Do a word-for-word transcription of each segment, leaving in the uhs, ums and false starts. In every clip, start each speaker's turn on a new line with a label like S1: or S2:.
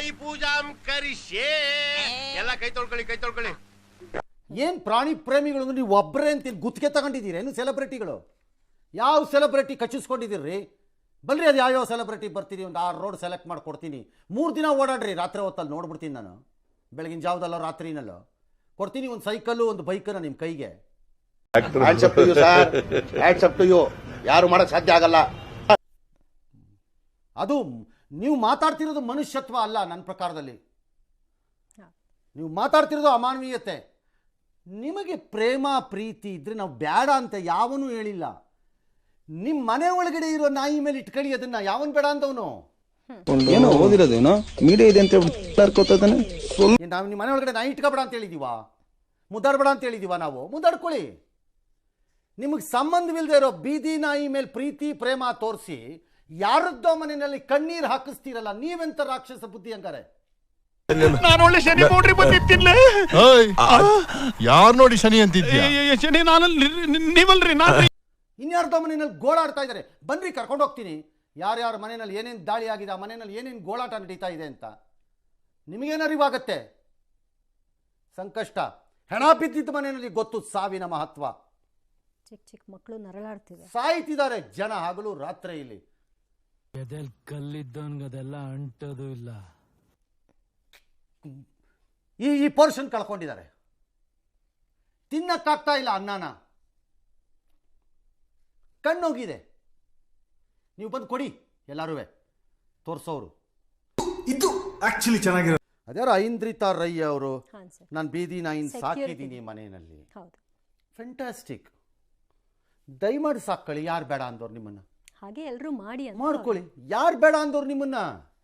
S1: ನಾಯಿ ಪೂಜಾಂ ಕರಿಷ್ಯೇ. ಎಲ್ಲ ಕೈ ತೊಳ್ಕೊಳ್ಳಿ, ಕೈ ತೊಳ್ಕೊಳ್ಳಿ.
S2: ಏನ್ ಪ್ರಾಣಿ ಪ್ರೇಮಿಗಳು ನೀವು ಒಬ್ಬರೇ ಅಂತ ಗುತ್ತಿಗೆ ತಗೊಂಡಿದ್ದೀರಿ ಏನು? ಸೆಲೆಬ್ರಿಟಿಗಳು ಯಾವ ಸೆಲೆಬ್ರಿಟಿ ಕಚ್ಚಿಸ್ಕೊಂಡಿದ್ದೀರಿ? ಬಲ್ರಿ, ಅದು ಯಾವ್ಯಾವ ಸೆಲೆಬ್ರಿಟಿ ಬರ್ತೀರಿ, ಒಂದು ಆರು ರೋಡ್ ಸೆಲೆಕ್ಟ್ ಮಾಡಿ ಕೊಡ್ತೀನಿ. ಮೂರು ದಿನ ಓಡಾಡ್ರಿ, ರಾತ್ರಿ ಹೊತ್ತಲ್ಲಿ ನೋಡ್ಬಿಡ್ತೀನಿ ನಾನು, ಬೆಳಗಿನ ಜಾವದಲ್ಲೋ ರಾತ್ರಿನಲ್ಲೋ ಕೊಡ್ತೀನಿ. ಒಂದು ಸೈಕಲ್ಲು ಒಂದು ಬೈಕನ್ನು ನಿಮ್ಮ ಕೈಗೆ.
S1: ಯಾರು ಮಾಡಕ್ ಸಾಧ್ಯ ಆಗಲ್ಲ.
S2: ಅದು ನೀವು ಮಾತಾಡ್ತಿರೋದು ಮನುಷ್ಯತ್ವ ಅಲ್ಲ ನನ್ನ ಪ್ರಕಾರದಲ್ಲಿ. ನೀವು ಮಾತಾಡ್ತಿರೋದು ಅಮಾನವೀಯತೆ. ನಿಮಗೆ ಪ್ರೇಮ ಪ್ರೀತಿ ಇದ್ರೆ ನಾವು ಬೇಡ ಅಂತ ಯಾವನೂ ಹೇಳಿಲ್ಲ. ನಿಮ್ಮ ಮನೆ ಒಳಗಡೆ ಇರೋ ನಾಯಿ ಮೇಲೆ ಇಟ್ಕೊಳ್ಳಿ, ಅದನ್ನ ಯಾವನ್ ಬೇಡ ಅಂತವನು.
S3: ಏನೋ ಓದಿರೋದೇನೋ ಮೀಡಿಯಾ ಇದೆ ಅಂತ
S2: ನಾವು ನಿಮ್ಮ ಮನೆ ಒಳಗಡೆ ನಾಯಿ ಇಟ್ಕೋಬೇಡ ಅಂತ ಹೇಳಿದೀವ? ಮುದ್ದಾಡ್ಬೇಡ ಅಂತ ಹೇಳಿದೀವ ನಾವು? ಮುದ್ದಾಡ್ಕೊಳ್ಳಿ. ನಿಮಗೆ ಸಂಬಂಧವಿಲ್ಲದೆ ಇರೋ ಬೀದಿ ನಾಯಿ ಮೇಲೆ ಪ್ರೀತಿ ಪ್ರೇಮ ತೋರಿಸಿ ಯಾರದ್ದೋ ಮನೆಯಲ್ಲಿ ಕಣ್ಣೀರು ಹಾಕಿಸ್ತೀರಲ್ಲ, ನೀವೆಂತ ರಾಕ್ಷಸ ಬುದ್ಧಿ ಹಂಗಾರೆ?
S4: ನಾನು ಒಳ್ಳೆ ಶನಿ ನೋಡ್ರಿ ಬಂದಿತ್ತಿಲ್ಲ.
S5: ಯಾರು ನೋಡಿ ಶನಿ ಅಂತಿದ್ಯಾ?
S4: ಶನಿ ನಾನು, ನೀವಲ್ರಿ ನಾನು.
S2: ಇನ್ಯಾರ್ದೋ ಮನೆಯಲ್ಲಿ ಗೋಳಾಡ್ತಾ ಇದ್ದಾರೆ, ಬನ್ರಿ ಕರ್ಕೊಂಡು ಹೋಗ್ತೀನಿ. ಯಾರ್ಯಾರ ಮನೆಯಲ್ಲಿ ಏನೇನು ದಾಳಿ ಆಗಿದೆ, ಆ ಮನೆಯಲ್ಲಿ ಏನೇನು ಗೋಳಾಟ ನಡೀತಾ ಇದೆ ಅಂತ ನಿಮಗೇನು ಅರಿವಾಗತ್ತೆ? ಸಂಕಷ್ಟ. ಹೆಣ ಬಿದ್ದಿದ್ದ ಮನೆಯಲ್ಲಿ ಗೊತ್ತು ಸಾವಿನ ಮಹತ್ವ.
S6: ಚಿಕ್ಕ ಚಿಕ್ಕ ಮಕ್ಕಳು ನರಳಾಡ್ತಿದೆ,
S2: ಸಾಯ್ತಿದ್ದಾರೆ ಜನ ಹಗಲು ರಾತ್ರಿ. ಇಲ್ಲಿ
S7: ಎದೆಲ್ ಕಲ್ಲಿದ್ದವನ್ಗದೆಲ್ಲ ಅಂಟೋದು ಇಲ್ಲ.
S2: ಈ ಈ ಪೋರ್ಷನ್ ಕಳ್ಕೊಂಡಿದ್ದಾರೆ, ತಿನ್ನಕ್ಕಾಗ್ತಾ ಇಲ್ಲ ಅನ್ನನ, ಕಣ್ಣೋಗಿದೆ. ನೀವು ಬಂದು ಕೊಡಿ ಎಲ್ಲರೂ ತೋರಿಸೋರು.
S8: ಇದು ಆಕ್ಚುಲಿ ಚೆನ್ನಾಗಿರೋ
S2: ಅದ್ಯಾರು ಐಂದ್ರಿತಾ ರೈ ಅವರು, ನಾನು ಬೀದಿ ನಾಯಿನ ಸಾಕಿದ್ದೀನಿ ಮನೆಯಲ್ಲಿ. ಫ್ಯಾಂಟಾಸ್ಟಿಕ್. ದಯಮಾಡಿ ಸಾಕೊಳ್ಳಿ. ಯಾರು ಬೇಡ ಅಂದವ್ರು ನಿಮ್ಮನ್ನ?
S6: ಹಾಗೆ ಎಲ್ಲರೂ ಮಾಡಿ
S2: ಮಾಡ್ಕೊಳ್ಳಿ. ಯಾರು ಬೇಡ ಅಂದವ್ರು ನಿಮ್ಮನ್ನ?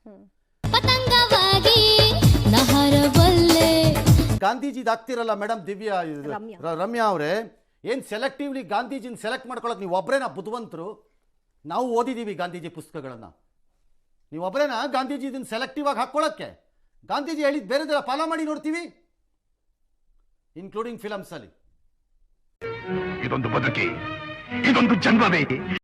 S2: ಗಾಂಧೀಜಿದ್ ಆಗ್ತಿರಲ್ಲ ಮೇಡಮ್, ದಿವ್ಯಾ ರಮ್ಯಾ ಅವರೇ, ಏನ್ ಸೆಲೆಕ್ಟಿವ್ಲಿ ಗಾಂಧೀಜಿನ ಸೆಲೆಕ್ಟ್ ಮಾಡ್ಕೊಳಕ್ ನೀವು ಒಬ್ಬರೇನಾ ಬುದ್ಧಿವಂತರು? ನಾವು ಓದಿದೀವಿ ಗಾಂಧೀಜಿ ಪುಸ್ತಕಗಳನ್ನ. ನೀವು ಒಬ್ಬರೇನಾ ಗಾಂಧೀಜಿ ಇದನ್ನ ಸೆಲೆಕ್ಟಿವ್ ಆಗಿ ಹಾಕೊಳ್ಳಕ್ಕೆ? ಗಾಂಧೀಜಿ ಹೇಳಿದ್ ಬೇರೆದೆಲ್ಲ ಫಾಲೋ ಮಾಡಿ ನೋಡ್ತೀವಿ, ಇನ್ಕ್ಲೂಡಿಂಗ್ ಫಿಲಮ್ಸ್ ಅಲ್ಲಿ.
S4: ಇದೊಂದು ಬದುಕಿ, ಇದೊಂದು ಜನ್ಮವೇ.